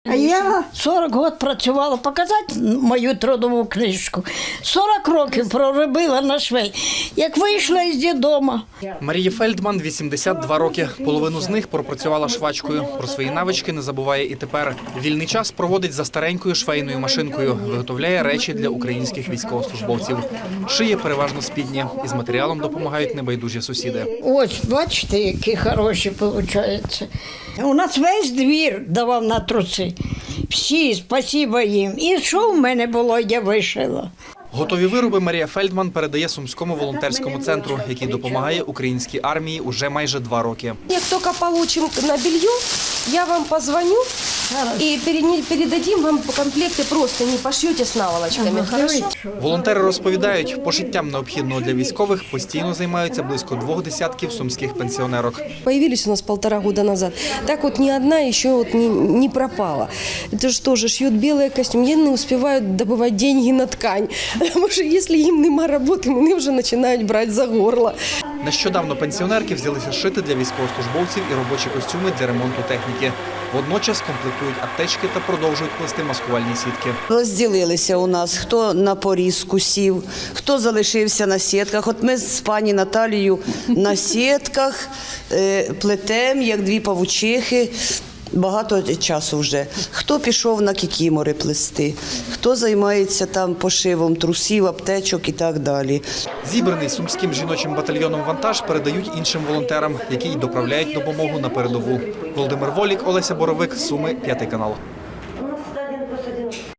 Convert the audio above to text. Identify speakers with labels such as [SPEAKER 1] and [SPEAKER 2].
[SPEAKER 1] А я 40 років працювала, показати мою трудову книжку. 40 років проробила на швей, як вийшла із дідома.
[SPEAKER 2] Марії Фельдман 82 роки. Половину з них пропрацювала швачкою. Про свої навички не забуває і тепер. Вільний час проводить за старенькою швейною машинкою. Виготовляє речі для українських військовослужбовців. Шиє переважно спідні. Із матеріалом допомагають небайдужі сусіди.
[SPEAKER 1] Ось, бачите, які хороші виходять. У нас весь двір давав на труси. Всі, спасибо їм. І що в мене було, я вишила.
[SPEAKER 2] Готові вироби Марія Фельдман передає Сумському волонтерському центру, який допомагає українській армії уже майже 2 роки.
[SPEAKER 3] Як тільки отримаємо на белье, я вам позвоню і передадим вам комплекти, просто не пошьете з наволочками. Хорошо?
[SPEAKER 2] Волонтери розповідають, пошиттям необхідного для військових постійно займаються близько 2 десятків сумських пенсіонерок.
[SPEAKER 3] Появились у нас 1,5 года назад. Так вот ни одна еще вот не пропала. Это же тоже шьют белые костюмы. Они не успевают добывать деньги на ткань. Потому что если им нема роботи, вони вже починають брати за горло.
[SPEAKER 2] Нещодавно пенсіонерки взялися шити для військовослужбовців і робочі костюми для ремонту техніки. Водночас комплектують аптечки та продовжують плести маскувальні сітки.
[SPEAKER 4] Розділилися у нас, хто на порізку сів, хто залишився на сітках. От ми з пані Наталією на сітках плетемо, як 2 павучихи. Багато часу вже. Хто пішов на кікімори плести, хто займається там пошивом трусів, аптечок і так далі.
[SPEAKER 2] Зібраний Сумським жіночим батальйоном вантаж передають іншим волонтерам, які й доправляють допомогу на передову. Володимир Волік, Олеся Боровик, Суми, 5 канал.